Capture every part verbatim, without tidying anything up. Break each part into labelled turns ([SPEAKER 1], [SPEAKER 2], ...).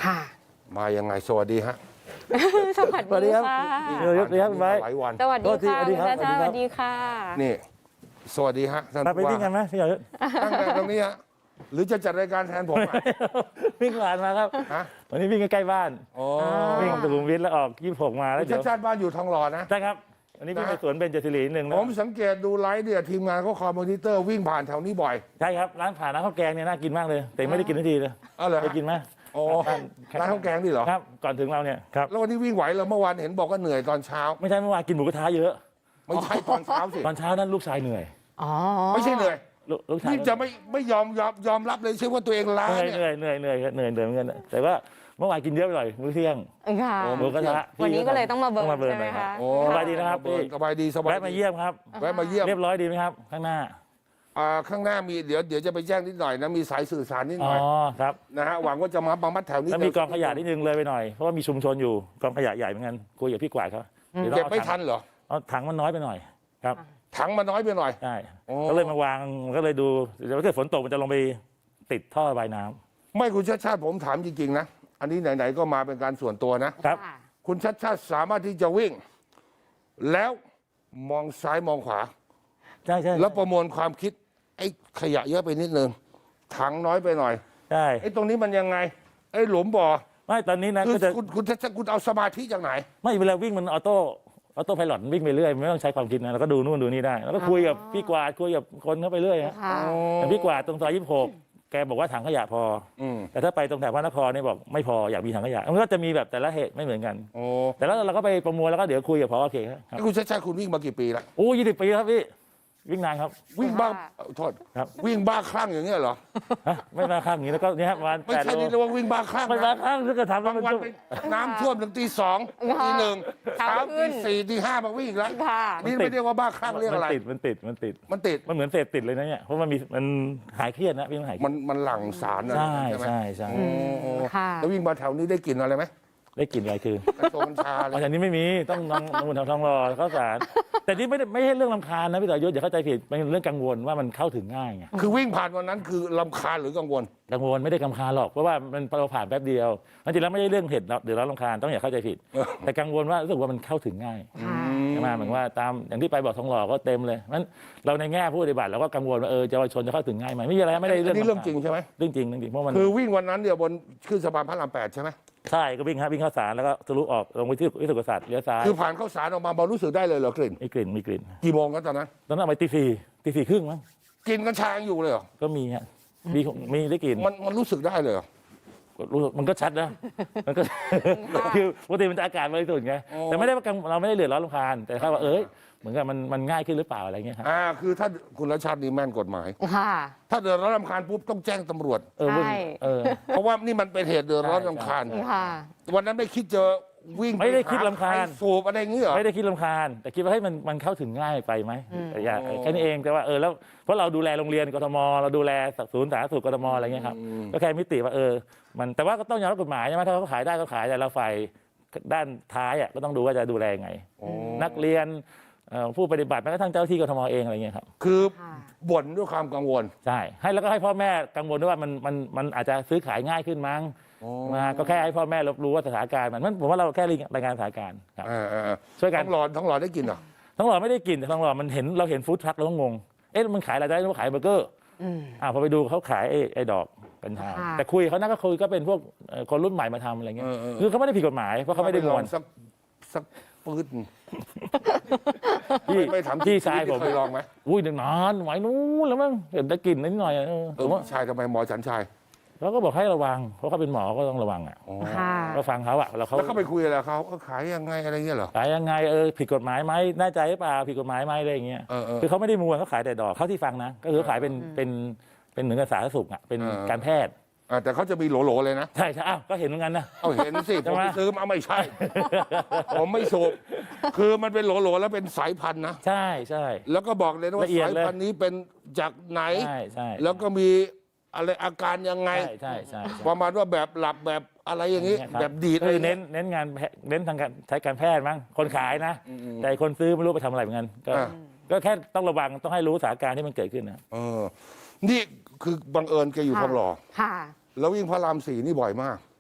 [SPEAKER 1] ค่ะ
[SPEAKER 2] มายังไงสวัสดีฮะ
[SPEAKER 1] สวัสดีค่ะ
[SPEAKER 3] เดี๋ยวเดี๋ยวไป
[SPEAKER 2] หลายวัน
[SPEAKER 1] สวัสดีค่ะคุณชาชาสวัสดีค่ะ
[SPEAKER 2] นี่สวัสดีฮะท่าน
[SPEAKER 3] ไปวิ่งกันไหมพี่หยอด
[SPEAKER 2] ตั้งแต่ตรงนี้ฮะหรือจะจัดรายการแทนผมอ่ะ
[SPEAKER 3] วิ่งผ่านมาครับ
[SPEAKER 2] ฮะ
[SPEAKER 3] วันนี้วิ่งใกล้ๆบ้าน
[SPEAKER 2] โอ้
[SPEAKER 3] วิ่งสุขุมวิทแล้วออกยี่สิบหกมาแล้ว
[SPEAKER 2] คุณ
[SPEAKER 3] เดี๋
[SPEAKER 2] ชา
[SPEAKER 3] ยว
[SPEAKER 2] ติชาติบ้านอยู่ทองหล่อนะ
[SPEAKER 3] ใช่ครับวันนี้วิ่งไปสวนเบญจศิริหนึ่ง
[SPEAKER 2] ผ
[SPEAKER 3] นะ
[SPEAKER 2] มสังเกตดูไลฟ์เนี่ยทีมงานเขาคอยมอนิเตอร์วิ่งผ่านแถวนี้บ่อย
[SPEAKER 3] ใช่ครับร้านผ่านร้านข้าวแกงเนี่ยน่ากินมากเลย แต่ไม่ได้กินทันทีเลย
[SPEAKER 2] อ๋อเหรอ
[SPEAKER 3] ไปกินไหม
[SPEAKER 2] โอ้ร้านข้าวแกงนี่เหรอ
[SPEAKER 3] ครับก่อนถึงเราเนี่ยครับ
[SPEAKER 2] แล้ววันนี้วิ่งไหวเหรอเมื่อวานเห็นบอกว่าเหนื่อยตอนเช้า
[SPEAKER 3] ไม่ใช่เมื่อวานกินหมูกระทะเยอะ
[SPEAKER 2] ไม่ใช่ตอนเช้าสิ
[SPEAKER 3] ตอนเช้านั้นลูกชายเหนื่อย
[SPEAKER 1] อ๋อ
[SPEAKER 2] ไม่ใช่เหนื่อย
[SPEAKER 3] ลูกลูกชาย
[SPEAKER 2] นี่จะไม่ไม่ยอมยอมยอมรับเลยใช่ว่าตัวเองล้า
[SPEAKER 3] เหนื่อย
[SPEAKER 2] เนี่ย
[SPEAKER 3] เหนื่อยเหนื่อยเหนื่อยเหนื่อยเหนื่อยเหมือนกันแต่ว่าเมื่อวานกินเยอะไปหน่อยมื้อเที่ยง
[SPEAKER 1] ค่ะ
[SPEAKER 2] โอ้
[SPEAKER 3] หมูกระทะ
[SPEAKER 1] วันนี้ก็เลยต้องมาเบิร์น
[SPEAKER 3] ต้องมาเบิร์น
[SPEAKER 1] ใช่ไหม
[SPEAKER 3] หน่อยครับ
[SPEAKER 1] คะ
[SPEAKER 2] โอ้
[SPEAKER 3] สบายดีนะครับพี่
[SPEAKER 2] สบายดีสบาย
[SPEAKER 3] แวะมา
[SPEAKER 2] ดี
[SPEAKER 3] เยี่ยมครับ
[SPEAKER 2] แวะมาเยี่ยม
[SPEAKER 3] เรียบร้อยดีไหมครับข้างหน้า
[SPEAKER 2] อ่าข้างหน้ามีเดี๋ยวเดี๋ยวจะไปแจ้งนิดหน่อยนะมีสายสื่อสารนิดห
[SPEAKER 3] อ๋
[SPEAKER 2] น่
[SPEAKER 3] อ
[SPEAKER 2] อย
[SPEAKER 3] ครับ
[SPEAKER 2] นะฮะหวังว่าจะมาบังมัดแถวนี้
[SPEAKER 3] แล้วมีกองขยะนิดนึงเลยไปหน่อยเพราะว่ามีชุมชนอยู่กองขยะใหญ่เหมือนกันคุยกับพี่กวาดเขาดี๋ยว
[SPEAKER 2] เก็บ
[SPEAKER 3] อา
[SPEAKER 2] ไม่
[SPEAKER 3] ถัง
[SPEAKER 2] ทันเหรอ
[SPEAKER 3] เอาถังมันน้อยไปหน่อยครับ
[SPEAKER 2] ถังมาน้อยไปหน่อย
[SPEAKER 3] ใช่
[SPEAKER 2] โอ้
[SPEAKER 3] ก็เลยมาวางก็เลยดูเดี๋ยวถ้าเกิดฝนตกมันจะลงไปติดท่อระบายน้ำ
[SPEAKER 2] ไม่คุณชาติชาติผมถามจริงๆนะอันนี้ไหนๆก็มาเป็นการส่วนตัวนะ
[SPEAKER 3] ครับ
[SPEAKER 1] ค่ะ
[SPEAKER 2] คุณชาติชาติสามารถที่จะวิ่ง แล้วมองซ้ายมองขวา
[SPEAKER 3] ใช่ใช่
[SPEAKER 2] แล้วประมวลความคิดไอ้ขยะเยอะไปนิดนึงถังน้อยไปหน่อย
[SPEAKER 3] ใช่
[SPEAKER 2] ไอ้ตรงนี้มันยังไงไอ้หลุมบ่อ
[SPEAKER 3] ไม่ตอนนี้นะ
[SPEAKER 2] คือ
[SPEAKER 3] ก็จะ
[SPEAKER 2] คุณคุณชาติชาติคุณเอาสมาธิจากไหน
[SPEAKER 3] ไม่เวลาวิ่งมันออโต้ออโต้ไพลอตวิ่งไปเรื่อยไม่ต้องใช้ความคิดนะแล้วก็ดูนู่นดูนี่ได้ แล้วก็คุยกับพี่กวาดคุยกับคนเข้าไปเรื่อยฮะ
[SPEAKER 1] ค่ะ
[SPEAKER 3] อย่างพี่กวาดตรงซอยยี่สิบหกแกบอกว่าถังขยะพอ
[SPEAKER 2] อืม
[SPEAKER 3] แต่ถ้าไปตรงแถวพระนครเนี่ยบอกไม่พออยากมีถังขยะมันก็จะมีแบบแต่ละเหตุไม่เหมือนกัน
[SPEAKER 2] โอ้
[SPEAKER 3] แต่แล้วเราก็ไปประมวลแล้วก็เดี๋ยวคุยกับพอโอเคครับ
[SPEAKER 2] ไอ้คุณชาติชาติคุณวิ่งมากี่ปีละ
[SPEAKER 3] โอ้ยี่สิบปีครับพี่วิ่งนานครับ
[SPEAKER 2] วิ่งบ้า
[SPEAKER 1] ค่ะ
[SPEAKER 2] เอ่อโทษ
[SPEAKER 3] ครับ
[SPEAKER 2] วิ่งบ้าคลั่งอย่างเงี้ยเหรอ
[SPEAKER 3] ฮะไม่มาข้างนี้แล้วก็เนี่ยครับประมาณ
[SPEAKER 2] ไม่
[SPEAKER 3] แปด
[SPEAKER 2] ใช่
[SPEAKER 3] โล
[SPEAKER 2] นี่เรียกว่าวิ่งบ้าคลั่ง
[SPEAKER 3] ไม่มา
[SPEAKER 2] นะ
[SPEAKER 3] ข้างถ้าเกิดทำแล้ว
[SPEAKER 2] บาง
[SPEAKER 3] มัน
[SPEAKER 2] วัน
[SPEAKER 3] จะ
[SPEAKER 2] ไปน้ำท่วมถึงตีสองตีหนึ่ง
[SPEAKER 1] เช้า
[SPEAKER 2] เช้า
[SPEAKER 1] ขึ้
[SPEAKER 2] ตี
[SPEAKER 1] น
[SPEAKER 2] สี่ตีห้ามาวิ่งอีกแล้ว
[SPEAKER 1] ค่ะ
[SPEAKER 2] นี่ไม่เรียกว่าบ้าคลั่งเรียกอะไร
[SPEAKER 3] มันติดมันติดมันติด
[SPEAKER 2] มันติด
[SPEAKER 3] มันเหมือนเสพติดเลยนะเนี่ยเพราะมันมีมันหายเครียดนะพี่มันหายเครี
[SPEAKER 2] มั
[SPEAKER 3] ยด
[SPEAKER 2] นมันหลั่งสารนะ
[SPEAKER 3] ใช่
[SPEAKER 2] ไหม
[SPEAKER 3] ใช่ใช่
[SPEAKER 2] โอ้โอ้
[SPEAKER 1] ค่ะ
[SPEAKER 2] แล้ววิ่งมาแถวนี้ได้กลิ่นอะไรไหม
[SPEAKER 3] ได้กลิ่นอะไรคือ
[SPEAKER 2] กัญชงกัญชาอะไร
[SPEAKER 3] อ๋อแต่นี้ไม่มีต้องน้องน้องทางทองรอข้าวสารแต่นี่ไม่ได้ไม่ใช่เรื่องลำคาญนะพี่ต่อยศอย่าเข้าใจผิดเป็นเรื่องกังวลว่ามันเข้าถึงง่ายไง
[SPEAKER 2] คือวิ่งผ่านวันนั้นคือลำคาญหรือกังวล
[SPEAKER 3] กังวลไม่ได้กำคาญหรอกเพราะว่ามันเราผ่านแป๊บเดียวจริงๆแล้วไม่ใช่เรื่องเหตุเดือดร้อนรำคาญต้องอย่าเข้าใจผิด แต่กังวลว่ารู้สึกว่ามันเข้าถึงง่าย
[SPEAKER 1] ค่ะ
[SPEAKER 3] ใช่ไหมเหมือนว่าตามอย่างที่ไปบอกทองหล่อก็เต็มเลยนั้นเราในแง่ผู้ปฏิบัติเราก็กังวลว่าเออเยาวชนจะเข้าถึงง่ายไหมไม่มีอะไรไม่ได้เรื่อง
[SPEAKER 2] นี่เรื่องจริงใช่ไหม
[SPEAKER 3] เรื่องจริงเรื่องจริงเพราะมัน
[SPEAKER 2] คือวิ่งวันนั้นเนี่ยบนขึ้นสะพานพระรามแปดใช่ไหม
[SPEAKER 3] ใช่ก็วิ่งฮะวิ่งเข้าสารแล้วก็ทะลุออกลงไปที่วิสุทธิศาสตร์เลี้ยวซ้าย
[SPEAKER 2] คือผ่านเข้าสารออกมาบอลรู้สึกได้เลยเหรอกลิ่น
[SPEAKER 3] มีกลิ่นมีกลิ่น
[SPEAKER 2] กี่โมงกันตอนนั้น
[SPEAKER 3] ตอนนั้นเอาไปตีสี่ตีสี่ครึ่งมั้ง
[SPEAKER 2] กินกัญชายังอยู่เลยเหรอ
[SPEAKER 3] ก็มีฮะมีมีได้กลิ่น
[SPEAKER 2] มันมันรู้สึกได้เลยเหรอ
[SPEAKER 3] รู้มันก็ชัดนะมันก็ คือปกติมันจะอากาศบริสุทธิ์ไง
[SPEAKER 2] โอ้
[SPEAKER 3] แต่ไม่ได้ว่ากังเราไม่ได้เดือดร้อนรำคาญแต่แค่ว่าเอ้ยเหมือนกับมันมันง่ายขึ้นหรือเปล่าอะไรเงี้ยครับ
[SPEAKER 2] อ่าคือถ้าคุณรัชชาตินี่แม่นกฎหมาย
[SPEAKER 1] ค่ะ
[SPEAKER 2] ถ้าเดือดร้อนรำคาญปุ๊บต้องแจ้งตำรวจ
[SPEAKER 3] เออเพิ่ง
[SPEAKER 1] ใช่
[SPEAKER 3] เออ
[SPEAKER 2] เพราะว่านี่มันเป็นเหตุเดือดร้อนรำคาญ
[SPEAKER 1] ค่ะ
[SPEAKER 2] วันนั้นไม่คิดจะวิ่ง
[SPEAKER 3] ไม่ได้คิดรำคาญ
[SPEAKER 2] ไปหใสูบอะไรอย่างเงี้ยเหรอ
[SPEAKER 3] ไม่ได้คิดรำคาญ แต่คิดว่าให้ยมันมันเข้าถึงง่ายไปไหม
[SPEAKER 1] อืม
[SPEAKER 3] แต่อย่า
[SPEAKER 2] โอ้
[SPEAKER 3] แค่นี้เองแต่ว่าเออแล้วเพราะเราดูแลโรงเรียนกทมเราดูแลศูนย์สาธารณสุขกทมอะไรเงี้ยครับก็แค่มิติว่าเออมันแต่ว่าก็ต้องยอมรับกฎหมายใช่ไหมถ้าเขาขายได้ก็ขายแต่เราฝ่ายด้านท้ายอ่ะก็ต้องดูว่าจะดูแลยังไง
[SPEAKER 2] โอ้
[SPEAKER 3] นักเรียนเอ่อผู้ปฏิบัติแม้กระทั่งเจ้าหน้าที่กทมเองอะไรเงี้ยครับ
[SPEAKER 2] คือ
[SPEAKER 1] ค่ะ
[SPEAKER 2] บ่นด้วยความกังวล
[SPEAKER 3] ใช่ให้แล้วก็ให้พ่อแม่กังวลด้วยว่ามันมันมันอาจจะซื้อขายง่ายขึ้นมั้งมาก็แค่ให้พ่อแม่รับรู้ว่าสถานการณ์มันมันผมว่าเราแค่รายงานสถานการณ์ครับ
[SPEAKER 2] เออเออเออ
[SPEAKER 3] ช่วยกัน
[SPEAKER 2] ท้องหลอดท้องหลอดได้กินเหรอ
[SPEAKER 3] ท้องหล่อไม่ได้กินแต่ท้องหล่อมันเห็นเราเห็นฟู้ดทรัคเราก็งงเอ๊ะมันขายอะไรได้นึกว่าขายเบอร์เกอร์
[SPEAKER 1] อืม
[SPEAKER 3] อ่าพอไปดูเขาขายไอ้ไอ้ดอกกัญชา
[SPEAKER 1] ค่ะ
[SPEAKER 3] แต่คุยเขานั่นก็คุยก็เป็นพวกเอ่อคนรุ่นใหม่มาทำอะไรเงี้ย
[SPEAKER 2] เออเออ
[SPEAKER 3] คือเขาไม่ได้ผิดกฎหมายเพราะเขาไม่ได้มวน
[SPEAKER 2] สักสักปืน
[SPEAKER 3] พี่
[SPEAKER 2] ไม่ถาม
[SPEAKER 3] พี่ชายผม
[SPEAKER 2] เคยลองไหม
[SPEAKER 3] อุ้ยนานไหวนู้นแล้วมั้งเห็นได้กลิ่นนิดหน่อยเออ
[SPEAKER 2] เอ
[SPEAKER 3] ผ
[SPEAKER 2] อ
[SPEAKER 3] มว่า
[SPEAKER 2] ชายทำไมหมอฉันชาย
[SPEAKER 3] เขาก็บอกให้ระวังเพราะเขาเป็นหมอก็ต้องระวังอ่ะ
[SPEAKER 2] อ๋อ
[SPEAKER 1] ค่ะ
[SPEAKER 3] ก็ฟังเขาอ่ะแล้วเขา
[SPEAKER 2] แล้วเขาไปคุยอะไรกับเขาเออขายยังไงอะไรเงี้ยเหรอ
[SPEAKER 3] ขายยังไงเออผิดกฎหมายไหมแน่ใจหรือเปล่าผิดกฎหมายไหมอะไรอย่างเงี้ย
[SPEAKER 2] เออเออ
[SPEAKER 3] คือเขาไม่ได้มวนเขาขายแต่ดอกเขาที่ฟังนะก็คือขายเป็นเป็นเป็นเหมือนกับสาธารณสุขอ่ะเป็น
[SPEAKER 2] เออ
[SPEAKER 3] การแพทย์
[SPEAKER 2] อ่าแต่เขาจะมีโหลๆเลยนะ
[SPEAKER 3] ใช่ใช่อ้าวก็เห็นเหมือนกันนะ
[SPEAKER 2] เอาเห็นสิ
[SPEAKER 3] ใช่
[SPEAKER 2] ผม
[SPEAKER 3] ไหม
[SPEAKER 2] ไปซื้อมาไม่ใช่ ผมไม่สูบคือมันเป็นโหลๆแล้วเป็นสายพันธุ์นะ
[SPEAKER 3] ใช่ใช่
[SPEAKER 2] แล้วก็บอกเลยนะว่า
[SPEAKER 3] ละเอียด
[SPEAKER 2] สาย
[SPEAKER 3] เลย
[SPEAKER 2] พันธุ์นี้เป็นจากไหน
[SPEAKER 3] ใช่ใช่
[SPEAKER 2] แล้วก็มีอะไรอาการยังไง
[SPEAKER 3] ใช่ใช่ใช่
[SPEAKER 2] ประมาณว่าแบบหลับแบบอะไรอย่างนี้
[SPEAKER 3] ครับ
[SPEAKER 2] แบบดีด
[SPEAKER 3] ก็
[SPEAKER 2] อะไร
[SPEAKER 3] คือ
[SPEAKER 2] เน้
[SPEAKER 3] เน้
[SPEAKER 2] น
[SPEAKER 3] นเน้นงานแพเน้นทางการใช้การแพทย์มั้งคนขายนะ แต่คนซื้อไม่รู้ไปทำอะไรเหมือนกันก็
[SPEAKER 2] อ่า
[SPEAKER 3] ก็แค่ต้องระวังต้องให้รู้สถานการณ์ที่มันเกิดขึ้นนะ
[SPEAKER 2] เออนี่คือบังเอิญแกอยู่ทองหล่อ
[SPEAKER 1] ค่ะ
[SPEAKER 2] แล้ววิ่งพระรามสี่นี่บ่อยมาก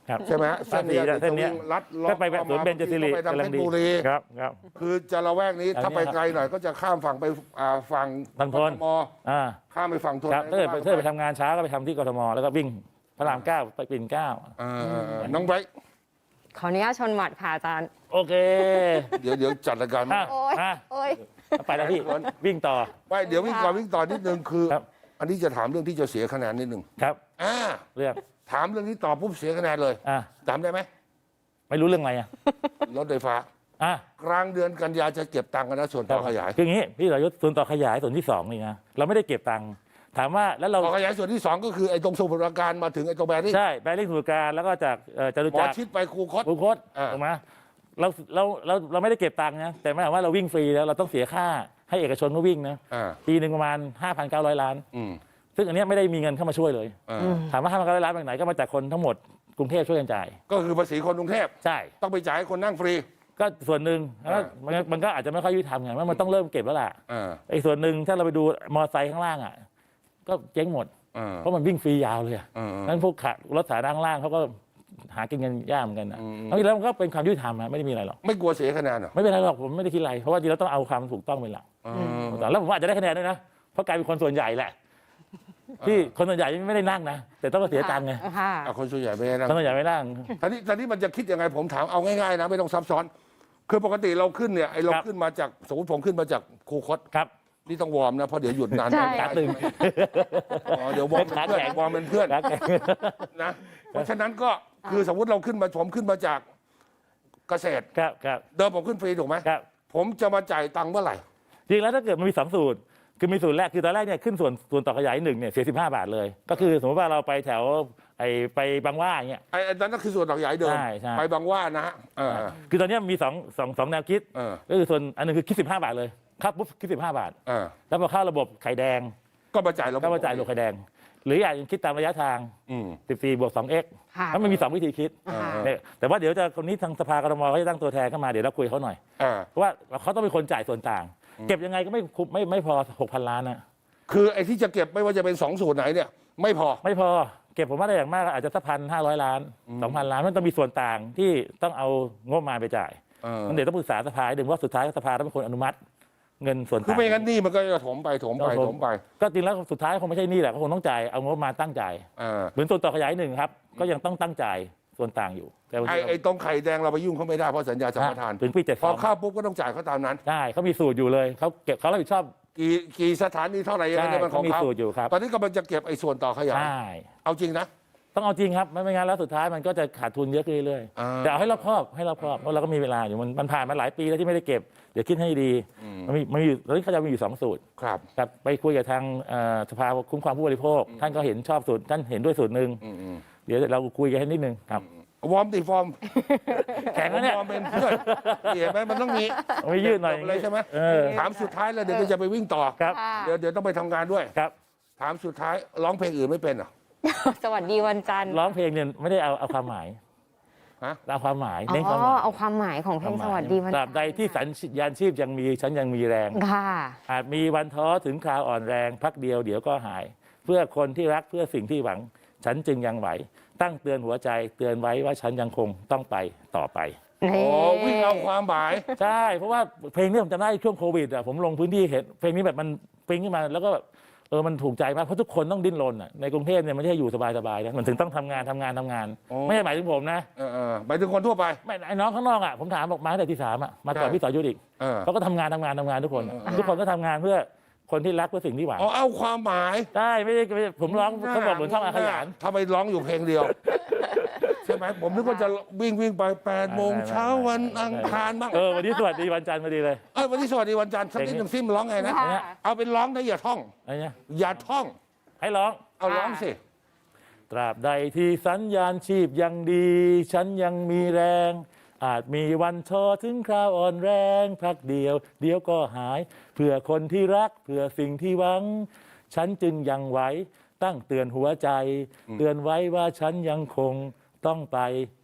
[SPEAKER 3] ครับ
[SPEAKER 2] ใช่ไหมฮะเส้นเนี้ย
[SPEAKER 3] เส้นเนี้ย
[SPEAKER 2] จะวิ่งลัดเลาะ
[SPEAKER 3] ก็ไปแบบสวนเบญจศิริ
[SPEAKER 2] ไปทาง
[SPEAKER 3] กำลั
[SPEAKER 2] เพ
[SPEAKER 3] ง
[SPEAKER 2] ชร
[SPEAKER 3] ดี
[SPEAKER 2] บุรี
[SPEAKER 3] ครับครับ
[SPEAKER 2] คือจะละแวกนี้
[SPEAKER 3] อันนี้
[SPEAKER 2] ถ้าไปไกลหน่อยก็จะข้ามฝั่งไปอ่าฝั่ง
[SPEAKER 3] ฝั่งทน
[SPEAKER 2] กทม
[SPEAKER 3] อ่า
[SPEAKER 2] ข้ามไปฝั่งทน
[SPEAKER 3] ครับถ้าเกิดถ้าเกิดไปทำงานเช้าก็ไปทำที่กทมแล้วก็วิ่งพระรามเก้าไปปิ่นเกล้า
[SPEAKER 2] อ่าน้องไบรท์
[SPEAKER 1] ขออนุญาตชนหมัดค่ะอาจารย์
[SPEAKER 3] โอเค
[SPEAKER 2] เดี๋ยวเดี๋ยวจัดรายการ
[SPEAKER 3] อ่ะ
[SPEAKER 1] โอ้ย
[SPEAKER 3] อ่ะ
[SPEAKER 1] โอ้ย
[SPEAKER 3] ไปแล้วพี่วิ่งต่อ
[SPEAKER 2] ไปเดี๋ยววิ่งก่อนวิ่งต่อนิดนึงคือ
[SPEAKER 3] ครับ
[SPEAKER 2] อันนี้จะถามเรื่องที่จะเสียคะแนนนิดนึง
[SPEAKER 3] ครับ
[SPEAKER 2] อ่า
[SPEAKER 3] เรื่อง
[SPEAKER 2] ถามเรื่องนี้ตอบปุ๊บเสียคะแนนเลย
[SPEAKER 3] อ่ะ
[SPEAKER 2] จำได้ไหม
[SPEAKER 3] ไม่รู้เรื่องอะไรอ่ะ
[SPEAKER 2] รถไฟฟ้า
[SPEAKER 3] อ่ะ
[SPEAKER 2] กลางเดือนกันยาจะเก็บตังค์กันนะส่วนต่อขยาย
[SPEAKER 3] คืออย่างนี้พี่สรยุทธ์ส่วนต่อขยายส่วนที่สองนี่นะเราไม่ได้เก็บตังค์ถามว่าแล้วเรา
[SPEAKER 2] ต่อขยายส่วนที่สองก็คือไอ้ตรงสมุทรปราการมาถึงไอ้ตรงแบริ่ง
[SPEAKER 3] ใช่แบริ่งสมุทรปราการแล้วก็จากเอ่อจตุ
[SPEAKER 2] หมอ
[SPEAKER 3] จักร
[SPEAKER 2] ชิดไปครูคต
[SPEAKER 3] บุคต
[SPEAKER 2] อ่า
[SPEAKER 3] ถูกไหมเราเราเราเราไม่ได้เก็บตังค์นะแต่หมายความว่าเราวิ่งฟรีแล้วเราต้องเสียค่าให้เอกชนเขาวิ่งนะ
[SPEAKER 2] อ่า
[SPEAKER 3] ปีหนึ่งประมาณ ห้าพันเก้าร้อย ล้าน
[SPEAKER 2] อืม
[SPEAKER 3] ซึ่งอันเนี้ยไม่ได้มีเงินเข้ามาช่วยเลย
[SPEAKER 2] อ่า
[SPEAKER 3] ถามว่า ห้าพันเก้าร้อย ล้านมาจากไหนก็มาจากคนทั้งหมดกรุงเทพช่วยกันจ่าย
[SPEAKER 2] ก็คือภาษีคนกรุงเทพ
[SPEAKER 3] ใช่
[SPEAKER 2] ต้องไปจ่ายให้คนนั่งฟรี
[SPEAKER 3] ก็ส่วนหนึ่งแล้ว
[SPEAKER 2] อ่า
[SPEAKER 3] มันมันก็อาจจะไม่ค่อยยุติธรรมไงว่ามันต้องเริ่มเก็บแล้วล่ะ
[SPEAKER 2] อ่า
[SPEAKER 3] ไอ้ส่วนหนึ่งถ้าเราไปดูมอเตอร์ไซค์ข้างล่างอ่ะก็เจ๊งหมด
[SPEAKER 2] อ่า
[SPEAKER 3] เพราะมันวิ่งฟรียาวเลยอะ
[SPEAKER 2] อ่า
[SPEAKER 3] นั้นพวกขารถสาธารณะข้างล่างเขาก็หากินกันยากเหมือนกันนะ
[SPEAKER 2] อืม
[SPEAKER 3] แล้วทีแล้วมันก็เป็นความยุติธรรมอะไม่ได้มีอะไรหรอก
[SPEAKER 2] ไม่กลัวเสียคะแนนเหรอ
[SPEAKER 3] ไม่เป็นไรหรอกผมไม่ได้คิดอะไรเพราะว่าจริงๆแล้วต้องเอาความถูกต้องเป็นหลัก
[SPEAKER 2] อ่า
[SPEAKER 3] แล้วผมว่าอาจจะได้คะแนนด้วยนะเพราะกลายเป็นคนส่วนใหญ่แหละที่คนส่วนใหญ่ไม่ได้นั่งนะแต่ต้องมาเสียตังค์ไง
[SPEAKER 1] ค่ะ
[SPEAKER 2] อ่ะคนส่วนใหญ่ไม่ได้นั่ง
[SPEAKER 3] คนส่วนใหญ่ไม่นั่ง
[SPEAKER 2] ทีนี้ทีนี้มันจะคิดยังไงผมถามเอาง่ายๆนะไม่ต้องซับซ้อน คือปกติเราขึ้นเนี่ยไอเรา
[SPEAKER 3] ครับ
[SPEAKER 2] ขึ้นมาจากสมมติผมขึ้นมาจากครูคต
[SPEAKER 3] ครับ
[SPEAKER 2] นี่ต้องวอร์มนะเพราะเดี๋ยวหยุดนาน
[SPEAKER 1] ใช่
[SPEAKER 2] ไม่
[SPEAKER 3] ขา
[SPEAKER 2] ได้
[SPEAKER 3] ตึง
[SPEAKER 2] อ๋อเดี๋ยววอร์มเป็นเพื่อน
[SPEAKER 3] ขาแข็ง
[SPEAKER 2] วอร์มเป็นเพื่อน
[SPEAKER 3] ขาแข็ง
[SPEAKER 2] นะเพราะฉะนั้นก็คือสมมติเราขึ้นมาผมขึ้นมาจากเกษตร
[SPEAKER 3] ครับครับ
[SPEAKER 2] เดิมผมขึ้นฟรีถูกไหม
[SPEAKER 3] ครับ
[SPEAKER 2] ผมจะมาจ่ายตังค์เมื่อไหร่
[SPEAKER 3] จริงแล้วถ้าเกิดมันมีสองสูตรคือมีสูตรแรกคือตอนแรกเนี่ยขึ้นส่วนส่วนต่อขยายหนึ่งเนี่ยเสียสิบห้าบาทเลย ก็คือสมมติว่าเราไปแถวไอ้ไปบางหว่าอย่างเงี้ย
[SPEAKER 2] ไอ้ไอ้นั่นก็คือส่วนต่อขยายเดิม
[SPEAKER 3] ใช่ใช่
[SPEAKER 2] ไปบางหว่านะฮะเออ
[SPEAKER 3] คือตอนเนี้ยมีสองสองสองแนวคิด
[SPEAKER 2] เออ
[SPEAKER 3] ก็คือส่วนอันหนึงคือคิดสิบห้าบาทเลยครับปุ๊บคิดสิบห้าบาท
[SPEAKER 2] เออ
[SPEAKER 3] แล้วพอเข้าระบบไข่แดง
[SPEAKER 2] ก็มาจ่ายเรา
[SPEAKER 3] ก็มาจ่ายระบบไข่แดง หรืออย่างคิดตามระยะทาง
[SPEAKER 2] อืม
[SPEAKER 3] สิบสี่บวกสองเอ็กซ์
[SPEAKER 1] ค่ะ
[SPEAKER 3] แล้วมันมีสองวิธีคิด
[SPEAKER 1] ค่ะ
[SPEAKER 3] เนี่ยแต่ว่าเดี๋ยวจะคนนี้ทางสภากทมเขาจะตั้งตัวแทนเข้ามาเดี๋ยวเราคุยเขาหน่อย
[SPEAKER 2] อ่า
[SPEAKER 3] เพราะว่าเขาต้องเป็นคนจ่ายส่วนต่าง เก็บยังไงก็ไม่คุ้มไม่ไม่พอหกพันล้านนะ
[SPEAKER 2] คือไอ้ที่จะเก็บไม่ว่าจะเป็นสองสูตรไหนเนี่ย ไม่พอ
[SPEAKER 3] ไม่พอเก็บผมว่าได้อย่างมากก็อาจจะสักพันห้าร้อยล้านสองพันล้านมันต้องมีส่วนต่างที่ต้องเอางบประมาณไปจ่าย
[SPEAKER 2] เออ
[SPEAKER 3] มันเดี๋ยวต้องปรึกษาสภาให้ดึงว่าสุดท้ายสภาต้องเป็นคนอนุมัติ เงินส่วน
[SPEAKER 2] คือ
[SPEAKER 3] ต่าง
[SPEAKER 2] ไม่งั้นหนี่มันก็จะถมไปถมไปถมไป
[SPEAKER 3] ก็จริงแล้วสุดท้ายคงไม่ใช่หนี่แหละเขาคงต้องจ่ายเอางบมาตั้งจ่าย
[SPEAKER 2] อ่า
[SPEAKER 3] เหมือนส่วนต่อขยายหนึ่งครับก็ยังต้องตั้งจ่ายส่วนต่างอยู่แต่วัน
[SPEAKER 2] ไอ้
[SPEAKER 3] นี้
[SPEAKER 2] ไอ้ตรงไข่แดงเราไปยุ่งเขาไม่ได้เพราะสัญญาสัมปทาน
[SPEAKER 3] ถึงปีเจ็ด
[SPEAKER 2] พอเข้าปุ๊บก็ต้องจ่ายเขาตามนั้น
[SPEAKER 3] ใช่เขามีสูตรอยู่เลยเขาเก็บเขารับผิดชอบ
[SPEAKER 2] กี่กี่สถานีเท่าไหร่ยังไง
[SPEAKER 3] ใช่
[SPEAKER 2] เนี่ยมันข
[SPEAKER 3] เขา
[SPEAKER 2] อง
[SPEAKER 3] มี
[SPEAKER 2] เขา
[SPEAKER 3] สูตรอยู่ครับ
[SPEAKER 2] ตอนนี้กำลังจะเก็บไอ้ส่วนต่อขยาย
[SPEAKER 3] ใช่
[SPEAKER 2] เอาจริงนะ
[SPEAKER 3] ต้องเอาจริงครับไม่ไม่งั้นแล้วสุดท้ายมันก็จะขาดทุนเยอะขึ้นเรื่อย
[SPEAKER 2] อ่า
[SPEAKER 3] ๆแต่เอาให้รอบคอบให้รอบคอบเพราะเราก็มีเวลาอยู่มันมันผ่านมาหลายปีแล้วที่ไม่ได้เก็บเดี๋ยวคิดให้ดีมันมีมันมีอยู่ตอนนี้เขาจะมีอยู่สองสูตร
[SPEAKER 2] ครับ
[SPEAKER 3] กับไปคุยกับทางเอ่อสภาคุ้มครองผู้บริโภค ท่านก็เห็นชอบสูตรท่านเห็นด้วยสูตรหนึ่ง
[SPEAKER 2] อืมอืม
[SPEAKER 3] เดี๋ยวเราคุยกันให้นิดนึงครับ
[SPEAKER 2] วอร์มติฟอร์ม
[SPEAKER 3] แข็งแล้วเนี่ย
[SPEAKER 2] วอร์มเป็นเพื่อนเห็นไหมมันต้องมี
[SPEAKER 3] เอาไม่ยืดหน่อย
[SPEAKER 2] จบเลยใช่ไหม
[SPEAKER 3] เออ
[SPEAKER 2] ถามสุดท้ายแล้วเดี๋ยวก็จะไปวิ่งต่อ
[SPEAKER 3] ครับ
[SPEAKER 1] ค่ะ
[SPEAKER 2] เดี๋ยวเดี๋ยวต้องไปทำงานด้วย
[SPEAKER 3] ครับ
[SPEAKER 2] ถามสุดท้ายร้องเพลงอื่นไม่เป็นเหรอ
[SPEAKER 1] สวัสดีวันจันทร์
[SPEAKER 3] ร้องเพลงเนี่ยไม่ได้เอาเอาความหมาย
[SPEAKER 2] ฮะ
[SPEAKER 3] เอาความหมาย
[SPEAKER 1] อ๋
[SPEAKER 3] เน้นความห
[SPEAKER 1] อ
[SPEAKER 3] มาย
[SPEAKER 1] เอาความหมายของเพลงสวัสดีวัน
[SPEAKER 3] ต
[SPEAKER 1] จั
[SPEAKER 3] ราน บ
[SPEAKER 1] ทร์
[SPEAKER 3] ใดที่สัญญาณชีพยังมีฉันยังมีแรง
[SPEAKER 1] ค่ะ
[SPEAKER 3] อาจมีวันท้อถึงคราวอ่อนแรงพักเดียวเดี๋ยวก็หาย เพื่อคนที่รักเพื่อสิ่งที่หวัง ฉันจึงยังไหว ตั้งเตือนหัวใจเตือนไว้ว่าฉันยังคงต้องไปต่อไป
[SPEAKER 2] โอ้วิ่งเอาความหมาย
[SPEAKER 3] ใช่ เพราะว่าเพลงนี้ผมจำได้ช่วงโควิดอ่ะผมลงพื้นที่เห็นเพลงนี้แบบมันปิ้งขึ้นมาแล้วก็แบบเออมันถูกใจมากเพราะทุกคนต้องดิ้นรนอ่ะในกรุงเทพเนี่ยไม่ใช่อยู่สบายๆนะมันถึงต้องทำงานทำงานทำงาน
[SPEAKER 2] โอ้
[SPEAKER 3] ไม่ใช่หมายถึงผมนะ
[SPEAKER 2] เออเออไปถึงคนทั่วไป
[SPEAKER 3] ไม่ไอ้น้องข้างนอกอ่ะผมถามบอกมาตั้งแต่ที่สามอ่ะมาก่อน
[SPEAKER 2] ใช่
[SPEAKER 3] พี่ต่อยุทธอีก
[SPEAKER 2] เออ
[SPEAKER 3] เขาก็ทำงานทำงานทำงานทุกคน
[SPEAKER 2] เออเออ
[SPEAKER 3] ทุกคนก็ทำงานเพื่อคนที่รักเพื่อสิ่งที่หวัง
[SPEAKER 2] อ๋อเอาความหมาย
[SPEAKER 3] ได้ไม่ได้ไม่ได้ผมร้องเขาบอกเหมือนช่องอาขยาน
[SPEAKER 2] ทำไมร้องอยู่เพลงเดียว ใช่ไหมผมนึกว่าจะวิ่งวิ่งไปแปดโมงเช้าวันอังคารบ้าง
[SPEAKER 3] เออวันนี้สวัสดีวันจันทร์พอดีเลย
[SPEAKER 2] เอ้ยวันนี้สวัสดีวันจันทร์สักนิดหนึ่งซิมร้องไงนะ
[SPEAKER 1] ค่ะ
[SPEAKER 2] เอาเป็นร้องนะอย่าท่อง
[SPEAKER 3] อะไรเนี่ย
[SPEAKER 2] อย่าท่อง
[SPEAKER 3] ให้ร้อง
[SPEAKER 2] เอาร้องสิ
[SPEAKER 3] ตราบใดที่สัญญาณชีพยังดี ฉันยังมีแรง อาจมีวันท้อถึงคราวอ่อนแรงพักเดียว เดี๋ยวก็หาย เพื่อคนที่รักเพื่อสิ่งที่หวัง ฉันจึงยังไหวตั้งเตือนหัวใจ เตือนไว้ว่าฉันยังคงต้องไป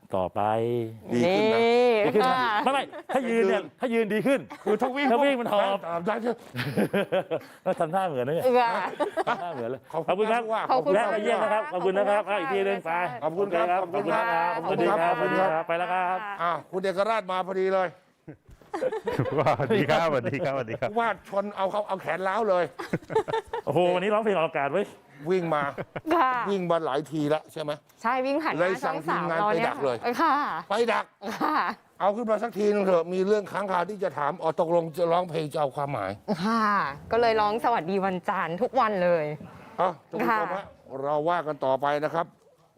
[SPEAKER 3] ต่อไป
[SPEAKER 2] ดีขึ้นนะ
[SPEAKER 3] ดีขึ้นนะ
[SPEAKER 1] ค่ะ
[SPEAKER 3] ไม่ไม่ถ้ายืนเนี่ยถ้ายืนดีขึ้น
[SPEAKER 2] คือถ้าวิ่ง
[SPEAKER 3] ถ้าวิ่งมันหอบ
[SPEAKER 2] ตามได้ใช่
[SPEAKER 3] แล้วทำท่าเหมือนนะเนี่ย
[SPEAKER 1] ค่ะ
[SPEAKER 3] ทำท่าเหมือนเลย
[SPEAKER 2] ขอบ
[SPEAKER 3] ขอบ
[SPEAKER 2] คุ
[SPEAKER 3] คุณ ณครับ
[SPEAKER 2] ว่า
[SPEAKER 1] ขอบคุณ
[SPEAKER 3] แวะ
[SPEAKER 1] ค่ะ
[SPEAKER 3] มาเยี่ยมนะครับขอบคุณนะครับ
[SPEAKER 1] ขอบคุณค่ะ
[SPEAKER 3] อ่ะอีกทีหนึงไป
[SPEAKER 2] ขอบคุณครับ
[SPEAKER 3] โเขอบคุณครับ
[SPEAKER 1] ขอบ
[SPEAKER 3] ส
[SPEAKER 1] คุ
[SPEAKER 3] วั
[SPEAKER 1] ณ
[SPEAKER 3] สดี
[SPEAKER 1] ค่ะ
[SPEAKER 3] ครับ
[SPEAKER 2] ขอบคุณครับ
[SPEAKER 3] ไปแล้วครับ
[SPEAKER 2] อ่าคุณเอกราชมาพอดีเลย
[SPEAKER 4] ว่าสวัสดีครับสวัสดีครับสวัสดีครับ
[SPEAKER 2] ว่าชนเอาเขาเอาแขนล้าวเลย
[SPEAKER 3] โอ้โหวันนี้ร้องเพลงออกอากาศไว้ย
[SPEAKER 2] วิ่งมา
[SPEAKER 1] ค่ะ
[SPEAKER 2] วิ่งมาหลายทีแล้วใช่ไหม
[SPEAKER 1] ใช่วิ่งผ่านห
[SPEAKER 2] เลย
[SPEAKER 1] น้า
[SPEAKER 2] สั่
[SPEAKER 1] ช่อง ง
[SPEAKER 2] ที
[SPEAKER 1] สาม ม
[SPEAKER 2] งาน
[SPEAKER 1] เรา
[SPEAKER 2] ไป
[SPEAKER 1] เนี่ย
[SPEAKER 2] ดักเลย
[SPEAKER 1] ค่ะ
[SPEAKER 2] ไปดัก
[SPEAKER 1] ค่ะ
[SPEAKER 2] เอาขึ้นมาสักทีนึงเถอะมีเรื่องค้างคาที่จะถามอ๋อตกลงจะร้องเพลงจะเอาความหมาย
[SPEAKER 1] ค่ะ ก็เลยร้องสวัสดีวันจันทร์ทุกวันเลย
[SPEAKER 2] เอ้าทุกผู้ชม
[SPEAKER 1] ค่ะ
[SPEAKER 2] ฮะเราว่ากันต่อไปนะครับ